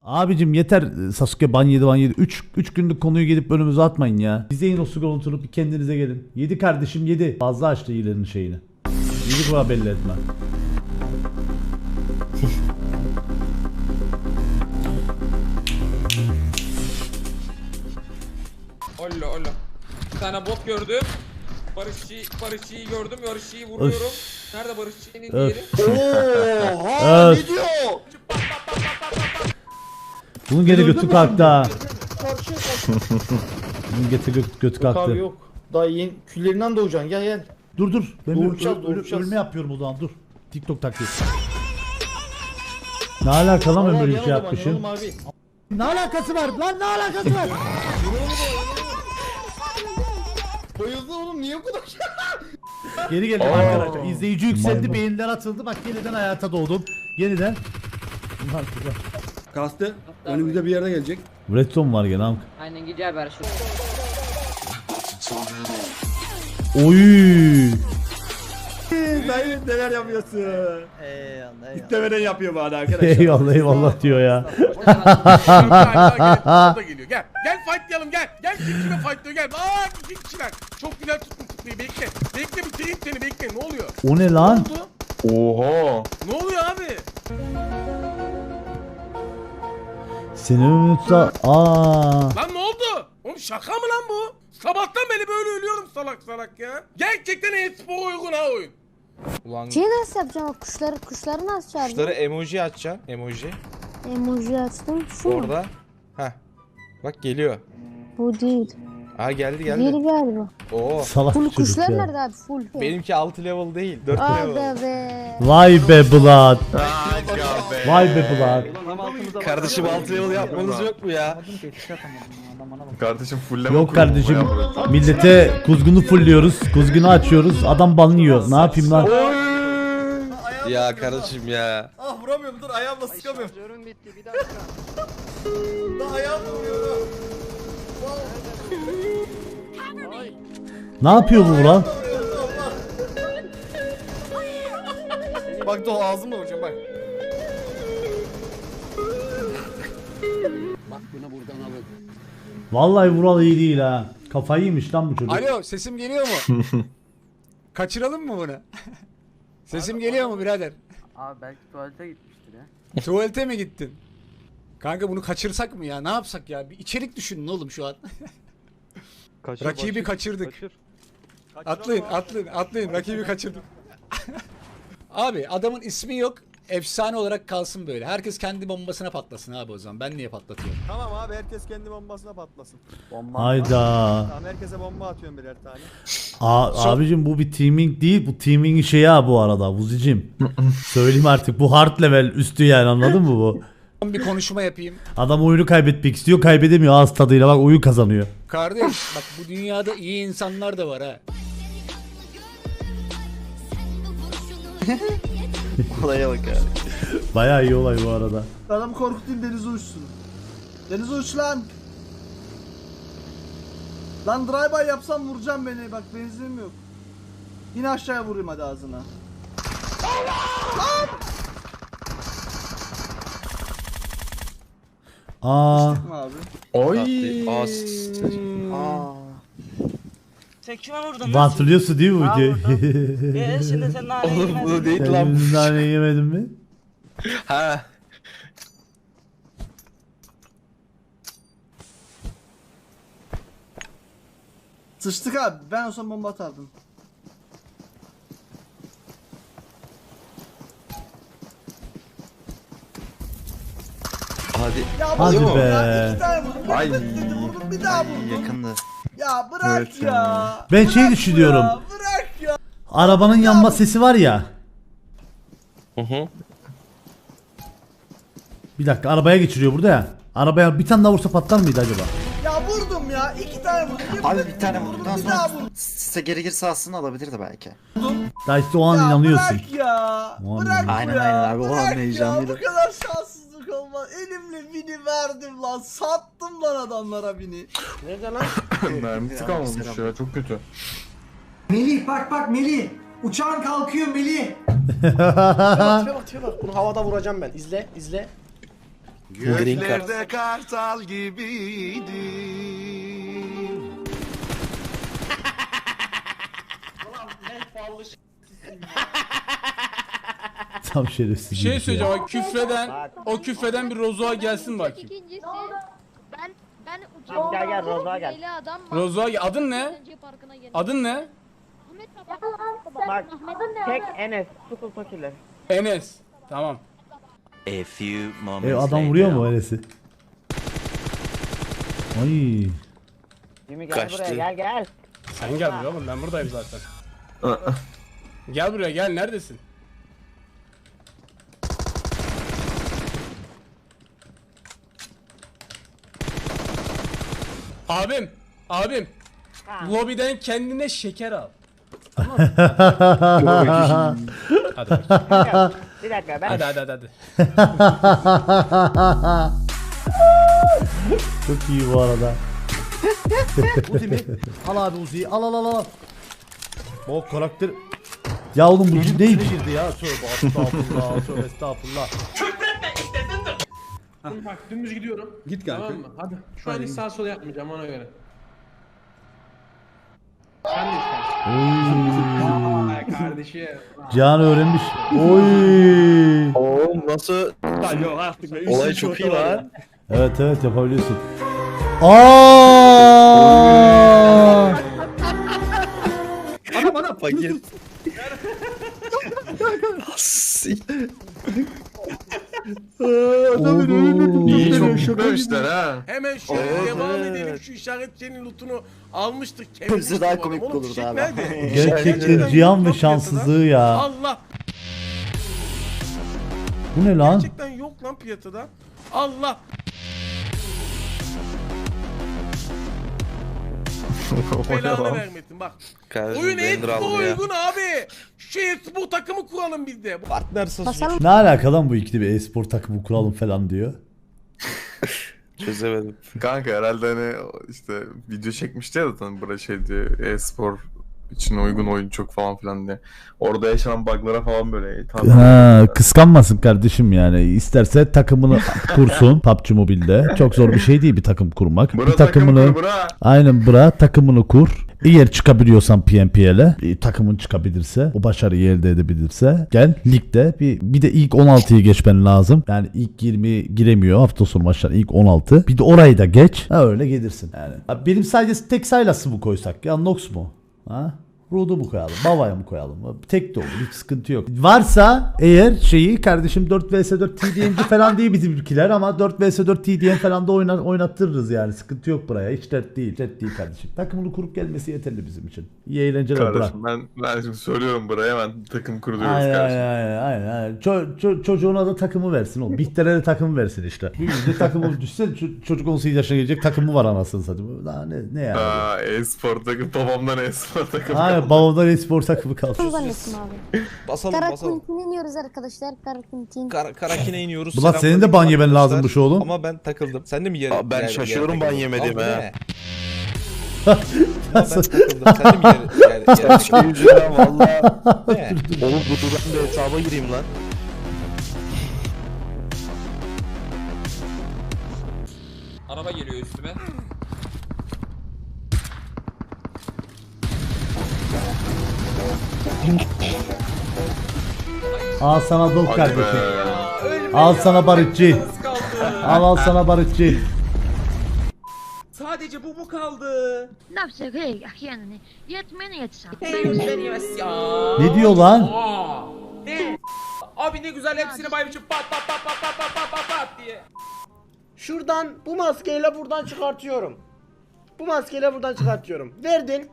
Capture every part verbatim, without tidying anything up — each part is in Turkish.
Abicim yeter Sasuke ban yedi ban yedi. üç günlük konuyu gelip önümüze atmayın ya. İzleyin o skor oturup bir kendinize gelin. yedi kardeşim yedi. Fazla açtı iyilerin şeyini. yedi kuva belli etme. Olla olla. Bir tane bot gördüm. Barışçı, Barışçı'yı gördüm. Barışçı'yı vuruyorum. Öf. Nerede Barışçı'nın diğeri? Oha ne diyor? Bunun geri götü kalktı ha. Bunun götü götü, götü Yok kalktı. abi yok. Daha yeni küllerinden doğacaksın gel gel. Dur dur. Ben Doğuracağız, öl- öl- doğuracağız. ölme yapıyorum o zaman dur. TikTok taktiği. Ne alaka lan ben böyle bir şey yapmışım? Ne alakası var lan ne alakası var? Bayıldın oğlum niye bu kadar? Geri geldim arkadaşlar. İzleyici yükseldi, beyinler atıldı. Bak yeniden hayata doğdum. Yeniden. Kastı. Önümüzde bir yerde gelecek. Redstone var gene amk. Aynen gidiyor ver şu. Oy. Dayı neler yapıyorsun? Eyvallah İstemeden yapıyor bana arkadaşlar. Eyvallah eyvallah diyor ya. O da geliyor. Gel. Gel fightlayalım gel. Gel kim kime fightlıyor gel. Aa iki kişiler. Çok güzel tuttum tutmayı bekle. Bekle bitireyim seni bekle ne oluyor? O ne Ne lan? oldu? Oha. Ne oluyor abi? Seni unutsa. Aa. Lan ne oldu? Oğlum şaka mı lan bu? Sabahtan beri böyle ölüyorum salak salak ya. Gerçekten e-spor uygun ha oyun. Ulan Şeyi nasıl yapacağım? O Kuşları, kuşları nasıl çağıracağım? kuşları emoji açacaksın. Emoji. Emoji açtım. Şu mu? Orada. Heh. Bak geliyor. Bu değil. Aa geldi geldi. Diğeri galiba. Oo. Salak Full bir çocuk kuşlar ya. nerede abi? Full. Benimki altı level değil. dört level. Aga be. Vay be Blood. Vay be Blood. Kardeşim altı level yapmanız yok mu ya? Kardeşim fulleme Yok kurulu kardeşim. bu ya burası. Millete kuzgunu fulluyoruz. Kuzgunu açıyoruz. Adam banlıyor. Ne yapayım lan? Ya kardeşim ya. Ah vuramıyorum dur ayağımla sıkamıyorum. Şarjörüm bitti bir dakika. Daha ayağımla vuruyorum. Ne yapıyor bu lan? Bak da ağzımla vuracağım bak. Vallahi Vural iyi değil ha. Kafayı yemiş lan bu çocuk. Alo sesim geliyor mu? Kaçıralım mı bunu? Sesim geliyor mu birader? Abi belki tuvalete gitmiştir ya. Tuvalete mi gittin? Kanka bunu kaçırsak mı ya? Ne yapsak ya? Bir içerik düşünün oğlum şu an. Rakibi kaçırdık. Atlayın, atlayın, atlayın. Rakibi kaçırdık. Abi adamın ismi yok. Efsane olarak kalsın böyle. Herkes kendi bombasına patlasın abi o zaman. Ben niye patlatıyorum? Tamam abi herkes kendi bombasına patlasın. Hayda. Tamam herkese bomba atıyorum birer tane. A abicim bu bir teaming değil. Bu teaming şeyi ha bu arada. Vuzicim. Söyleyeyim artık. Bu hard level üstü yani anladın mı bu? Bir konuşma yapayım. Adam oyunu kaybetmek istiyor. Kaybedemiyor ağız tadıyla. Bak oyun kazanıyor. Kardeş bak bu dünyada iyi insanlar da var ha. Olaya bak ya. Bayağı iyi olay bu arada. Adamı korkutayım denize uçsun. Denize uç lan. Lan drive-by yapsam vuracağım beni bak benzinim yok. Yine aşağıya vurayım hadi ağzına. Aa. Abi. Oy. Aa. Sen kime vurdun Bu hatırlıyorsun değil mi bu Ha, videoyu? Eee şimdi sen nane Oğlum yemedin. bunu değil Sen lan. bizim nane yemedin mi? Ha. Sıçtık abi ben olsam bomba atardım. Hadi. Ya Hadi vurdum be. ya, iki tane vurdum. Ay. Vurdum bir daha vurdum. Yakındı. Ya bırak Evet ya. ya. Ben şey Bırak düşünüyorum. Ya, bırak ya. Arabanın yanma sesi var ya. Hı hı. Bir dakika arabaya geçiriyor burada ya. Arabaya bir tane daha vursa patlar mıydı acaba? Ya vurdum ya iki tane vurdum. Abi bir tane vurduktan bir daha sonra vurdum. size geri girse aslında alabilirdi belki. Daha işte o an Ya inanıyorsun. bırak ya. O an Bırak Aynen, ya. aynen abi, o an Bırak heyecanlıydı. ya. Bu kadar şanssızlık olmaz. Elimle bini verdim lan. Sattım lan adamlara bini. Nerede lan? Mermisi kalmamış ya çok kötü. Melih bak bak Melih. Uçağın kalkıyor Melih. Tipe bak tipe bak tipe bak. Bunu havada vuracağım ben. İzle izle. Green card. kartal gibiydi. Tam şerefsiz. Bir şey söyleyeceğim. O küfreden, o küfreden bir Rozo'a gelsin bakayım. İkincisi ben ben uçağım. Gel gel Rozo'a gel. Adam Rozo'a gel. Adın ne? Adın ne? Bak tek Enes Sukul fakirler. Enes. Tamam. A few moments E, adam vuruyor mu öylesi? Ay. Jimmy gel Kaçtı. buraya gel gel. Sen gel buraya oğlum, ben buradayım zaten. Gel buraya gel, neredesin? Abim, abim. Lobiden kendine şeker al. Tamam mı? Hadi bakayım. Bir dakika ben Hadi hadi hadi. hadi. Çok iyi bu arada. Uzi mi? Al abi Uzi'yi. Al al al al. O karakter... Ya oğlum bu ciddi girdi ya. Tövbe estağfurullah. Tövbe estağfurullah. Bak dümdüz gidiyorum. Git kanka. Tamam mı? Hadi. Şu an hiç sağ sol yapmayacağım ona göre. Sen de istersin. Ay kardeşim. Cihan öğrenmiş. Oy. Oğlum nasıl? Yok artık be. Olay Üç çok şota iyi var lan. ya. Evet evet yapabiliyorsun. Aa! Adam adam. Fakir. Oğlum. İyi çok gitmemişler ha. Hemen şöyle Evet, devam evet. edelim. Şu işaretçinin lootunu almıştık. Hepsi daha Oğlum, komik oğlum, olurdu fişek abi. nerede? Gerçekten Cihan ve yok şanssızlığı ya. Allah. Bu ne lan? Gerçekten yok lan piyasada. Allah. Belanı vermesin bak. Kardeşim Oyun Bender Expo aldı ya. uygun abi. Şu Expo takımı kuralım biz de. basalım. Ne alaka lan bu ikili bir e-spor takımı kuralım falan diyor. Çözemedim. Kanka herhalde hani işte video çekmişti ya zaten buraya şey diye e-spor için uygun oyun çok falan filan diye. Orada yaşanan bug'lara falan böyle. Tam Ha, kıskanmasın kardeşim yani. İsterse takımını kursun P U B G Mobile'de. Çok zor bir şey değil bir takım kurmak. Bura bir takımını takım kur, bura. aynen bura takımını kur. Eğer çıkabiliyorsan P M P L'e, e, takımın çıkabilirse, o başarıyı elde edebilirse gel ligde bir bir de ilk on altıyı geçmen lazım. Yani ilk yirmi giremiyor hafta sonu maçlar, ilk on altı. Bir de orayı da geç. Ha öyle gelirsin yani. Abi benim sadece tek Sylas'ı mı koysak ya, Nox mu? Ha? Rude'u mu koyalım? Bava'ya mı koyalım? Tek de olur. Hiç sıkıntı yok. Varsa eğer şeyi kardeşim dört vs dört T D M'ci falan değil bizim ülkeler ama dört vs dört T D M falan da oynar, oynattırırız yani. Sıkıntı yok buraya. Hiç dert değil. Dert değil kardeşim. Takımını kurup gelmesi yeterli bizim için. İyi eğlenceler bırak. Kardeşim ben, ben şimdi söylüyorum buraya hemen takım kuruyoruz Aynen kardeşim. aynen aynen. aynen. Ço- ço- çocuğuna da takımı versin oğlum. Bihter'e de takımı versin işte. Bir de takımı düşse ç- çocuk on sekiz yaşına gelecek takımı var anasını satayım. Daha ne, ne yani? Aa, e-spor takım babamdan e-spor takım. Aynen babamdan e-spor takımı kaldı. Zannettim abi. Basalım basalım. Karakuntin iniyoruz arkadaşlar. Karakuntin. Kar Karakine iniyoruz. Ulan senin de ban yemen lazımmış oğlum. Ama ben takıldım. Sen de mi yere? Ben şaşıyorum ban yemedim ha. Ben takıldım. Sen de mi yere? yere, yere Çok yüzünden valla. Oğlum dur dur ben de hesaba gireyim lan. Araba geliyor üstüme. Al sana dok Hadi kardeşim. be. Al sana barutçu. Az kaldı. Al al sana barutçu. Sadece bu mu kaldı? Nafsak hey yani. Yetmeni yetsem. Yemez ya. Ne diyor lan? Aa, ne? Abi ne güzel hepsini bay biçim pat pat pat pat pat pat pat pat pat diye. Şuradan bu maskeyle buradan çıkartıyorum. Bu maskeyle buradan çıkartıyorum. Verdin.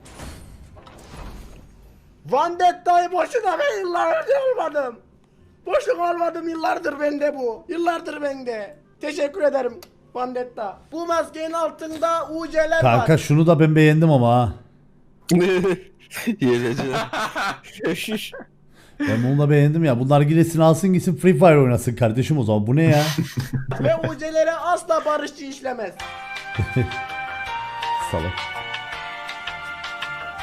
Vandetta'yı boşuna ben yıllardır almadım. Boşuna almadım yıllardır bende bu. Yıllardır bende. Teşekkür ederim Vandetta. Bu maskenin altında U C'ler var. Kanka şunu da ben beğendim ama ha. Yiyeceğim. Ben bunu da beğendim ya. Bunlar giresin alsın gitsin Free Fire oynasın kardeşim o zaman. Bu ne ya? Ve U C'lere asla barışçı işlemez. Salak.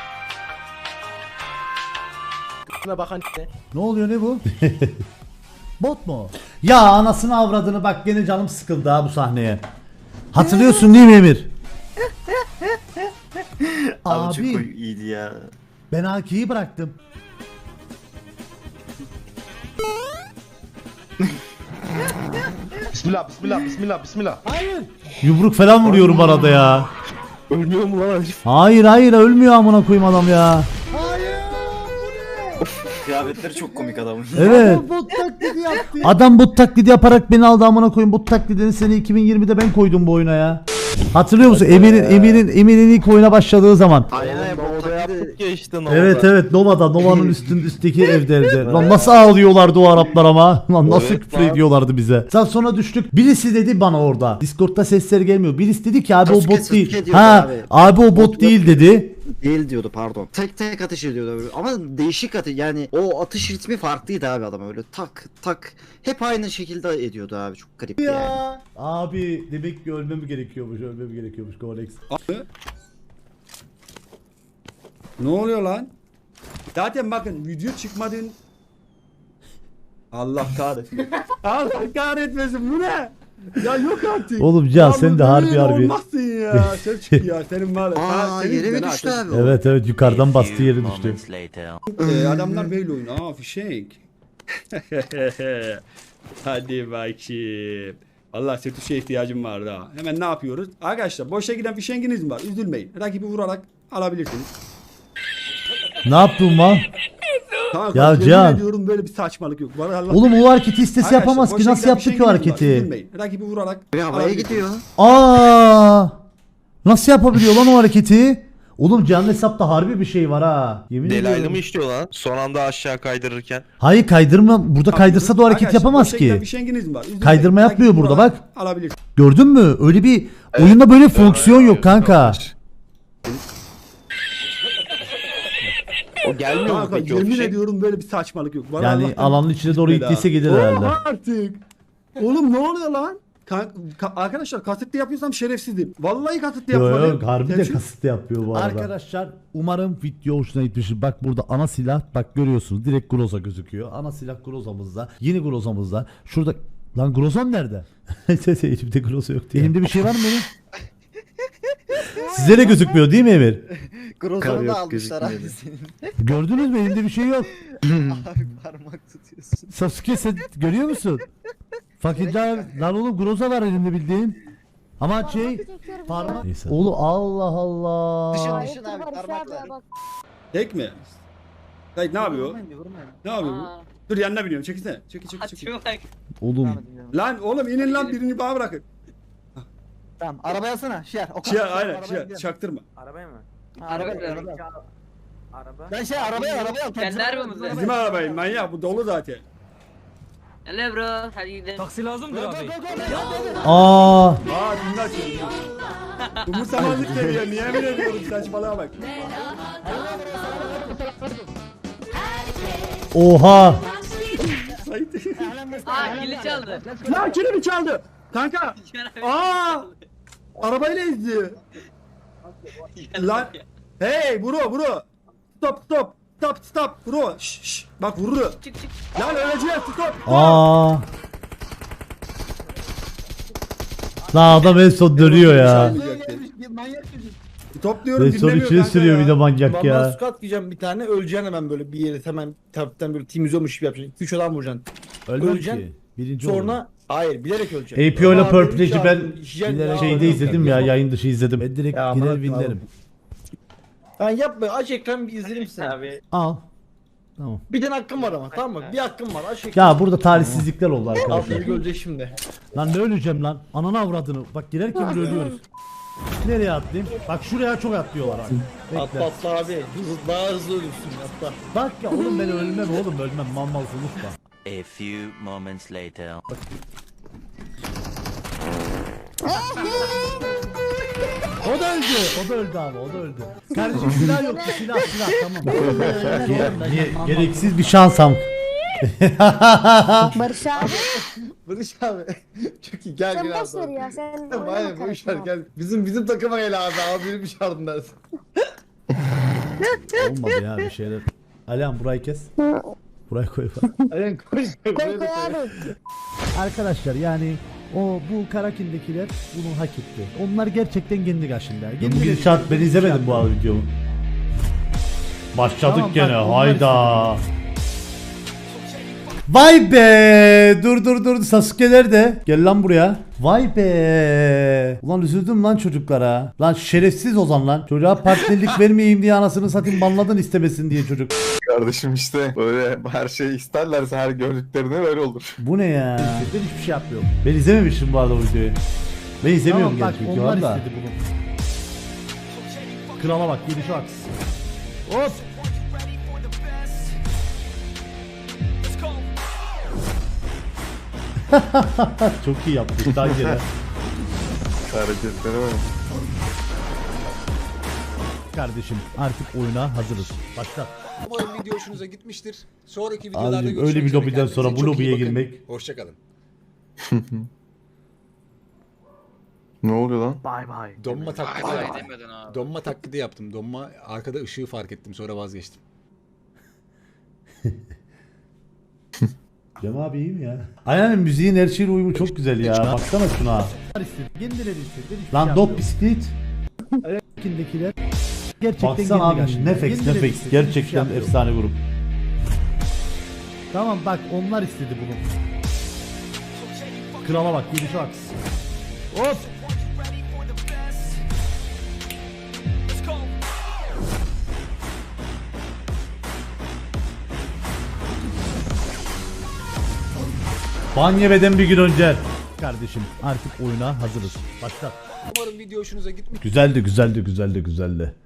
Buna bakan ne? Ne oluyor ne bu? Bot mu? Ya anasını avradını bak gene canım sıkıldı ha bu sahneye. Hatırlıyorsun değil mi Emir? Abi, çok Abi iyiydi ya. ben A K'yi bıraktım. Bismillah bismillah bismillah bismillah. Yumruk falan vuruyorum arada ya. Ölmüyor mu lan? Hayır hayır ölmüyor amına koyayım adam ya. Kıyafetleri çok komik adamın. Evet. Bot taklidi yaptı. Adam bot taklidi yaparak beni aldı amına koyayım. Bot taklidini sene iki bin yirmide ben koydum bu oyuna ya. Hatırlıyor musun? Emir'in Emir'in Emir'in ilk oyuna başladığı zaman. Aynen bot Orada taklidi. yaptık ya işte Nova'da. Evet evet Nova'da Nova'nın üstün üstteki evlerde. Lan nasıl ağlıyorlardı o Araplar ama. Lan nasıl Evet, küfür lan. ediyorlardı bize. Sen sonra düştük. Birisi dedi bana orada. Discord'da sesler gelmiyor. Birisi dedi ki abi o Sasuke, bot Sasuke değil. diyordu Ha abi. abi o bot Bot değil yok. dedi. Değil diyordu pardon. Tek tek atış ediyordu ama değişik atış yani o atış ritmi farklıydı abi adam öyle tak tak hep aynı şekilde ediyordu abi çok garipti yani. Ya. Abi demek ki ölmem gerekiyormuş. Ölmem gerekiyormuş Kolex. Ne oluyor lan? Zaten bakın video çıkmadın. Allah kahretsin. Allah kahretmesin bu ne? Ya yok artık. Oğlum Can Ya sen bu de harbi böyle harbi. Olmazsın ya. Sen çık ya senin var. ya. Ha, Aa senin yere mi yüzünden düştü ha, abi o? Evet evet yukarıdan bastı yere düştü. Ee, adamlar böyle oynuyor. Aa fişek. Hadi bakayım. Allah setuşa ihtiyacım vardı ha. Hemen ne yapıyoruz? Arkadaşlar boşa giden fişenginiz mi var? Üzülmeyin. Rakibi vurarak alabilirsiniz. Ne yaptın lan? Kanka, Ya yemin Can. ediyorum böyle bir saçmalık yok. Var Allah. Oğlum o hareketi istese Arkadaşlar, yapamaz ki boşa nasıl giden yaptı ki o fişenginiz var. hareketi? Üzülmeyin. Rakibi vurarak Bir havaya alabilirsiniz. gidiyor. Aa! Nasıl yapabiliyor lan o hareketi? Oğlum canlı hesapta harbi bir şey var ha. Yemin Delaylı ediyorum. mı işliyor lan? Son anda aşağı kaydırırken. Hayır kaydırma. Burada kaydırsa da o hareket Arkadaşlar, yapamaz boşa giden ki. fişenginiz mi var? Üzülmeyin. Kaydırma Rakibi yapmıyor burada, vurarak bak. Alabilirsiniz. Gördün mü? Öyle bir oyunda böyle fonksiyon yok kanka. O gelmiyor mu Kanka peki o yemin fişek? ediyorum böyle bir saçmalık yok. Var Yani Allah'tan alanın içine doğru gitmedi gittiyse ha. gelir Oha herhalde. artık. Oğlum ne oluyor lan? Kan- ka- arkadaşlar kasıtlı yapıyorsam şerefsizim. Vallahi kasıtlı Yok yapmadım. yok harbi de Gerçi- kasıtlı yapıyor bu arada. Arkadaşlar umarım video hoşuna gitmiştir. Bak burada ana silah bak görüyorsunuz direkt Groza gözüküyor. Ana silah Groza'mızda. Yeni Groza'mızda. Şurada lan Groza'm nerede? Elimde Groza yok diye. Elimde bir şey var mı benim? Size de gözükmüyor değil mi Emir? Grozan'ı da almışlar abi senin. Gördünüz mü? Elimde bir şey yok. Abi parmak tutuyorsun. Sasuke sen görüyor musun? Fakirler lan oğlum Groza var elimde bildiğin. Ama şey parmak. Neyse. Oğlum Allah Allah. Dışın dışın abi parmakla. Tek mi? Hayır ne yapıyor? Ne yapıyor bu? Dur yanına biniyorum çekilsene. Çekil çekil çekil. Oğlum Lan oğlum inin lan birini bana bırakın. Tamam arabaya alsana. Şiar. O Şey aynen şey çaktırma. Arabaya mı? Arabaya mı? Ben şey arabaya arabaya al. Kendi arabamızda. Bizim arabayım manyak bu dolu zaten. Hele bro hadi gidelim. Taksi lazımdır abi. aa Aa dinle açıyorum. Umursamazlık geliyor niye emin ediyorum saçmalığa bak. oha. Aa kili çaldı. Lan kimi çaldı? Kanka. Aa! Arabayla ezdi. Lan. Hey bro bro. Stop stop. Stop stop bro. Şş şş. Bak vurur. Çık çık. Lan öleceğiz stop. Aa. La adam en son dönüyor ya. Manyak çocuk. Top diyorum En son dinlemiyor içine kanka sürüyor bir de ya. manyak Vallahi ya. squat diyeceğim bir tane öleceksin hemen böyle bir yere hemen taraftan böyle temizliyormuş gibi yapacaksın. iki üç adam vuracaksın. Ölmem Öleceksin. ki. Birinci Sonra Sonra hayır bilerek öleceksin. A P O ile Aa, Purple benim Edge'i ben çağırdım, işeceğim bilerek ya. şeyde izledim ya yayın dışı izledim. Ben direkt Ya, girer aman winlerim. Ben yapma aç ekran bir izleyelim seni. Abi. Al. Tamam. Bir tane hakkım var ama tamam mı? Bir hakkım var aç ekran. Ya burada talihsizlikler oldu Abi arkadaşlar. biri ölecek şimdi. Lan ne öleceğim lan? Ananı avradını. Bak girerken bile ölüyoruz. Nereye atlayayım? Bak şuraya çok atlıyorlar abi. Atla atla abi. Hızlı, daha hızlı ölürsün atla. Bak ya oğlum ben ölmem oğlum ölmem. Mal mal konuşma. A few moments later. O da öldü. O da öldü abi. O da öldü. Kardeşim silah yok. Silah silah tamam. Ge- ge- gereksiz bir şansam. Barış abi. Barış abi. Çok iyi gel Sen gel boş ver abi. ya sen. Hayır boş ver gel. Bizim bizim takıma gel abi. Abi benim bir şartım dersin. Olmadı ya bir şeyler. Alihan burayı kes. Buraya koy falan. Aynen koy. Koy koy abi. Arkadaşlar yani o bu Karakin'dekiler bunu hak etti. Onlar gerçekten kendi kaşında. Bu gidişat ben izlemedim bu arada videomu. Başladık Tamam, gene bak, onlar hayda. Vay be! Dur dur dur Sasuke'ler de. Gel lan buraya. Vay be! Ulan üzüldüm lan çocuklara. Lan şerefsiz Ozan lan. Çocuğa partnerlik vermeyeyim diye anasını satayım banladın istemesin diye çocuk. Kardeşim işte böyle her şey isterlerse her gördüklerine öyle olur. Bu ne ya? Ben hiçbir şey yapmıyorum. Ben izlememiştim bu arada o videoyu. Ben izlemiyorum Tamam, bak, gerçi onlar da. istedi bunu. Krala bak gelişe bak. Hop. Çok iyi yaptık daha gene. Hareketlere bak. Kardeşim artık oyuna hazırız. Başla. Umarım video hoşunuza gitmiştir. Sonraki videolarda Abicim, görüşmek öyle bir üzere. lobiden Kendinize sonra bu çok iyi lobiye bakın. girmek. Hoşçakalın. Ne oluyor lan? Bay bay. Donma taklidi yaptım. Donma taklidi yaptım. Donma arkada ışığı fark ettim sonra vazgeçtim. Cem abi iyi mi ya? Aynen müziğin her şeyle uyumu çok güzel ya. Baksana şuna. Lan dop bisiklet. Karakin'dekiler gerçekten Baksana kendi abi kaşında. Nefex Kendileri Nefex istedi, hiçbir şey gerçekten yapmıyorum. efsane grup. Tamam bak onlar istedi bunu. Krala bak gelişe bak. Hop. Ban yemeden bir gün önce. Kardeşim artık oyuna hazırız. Başla. Umarım video hoşunuza gitmiştir. Güzeldi güzeldi güzeldi güzeldi.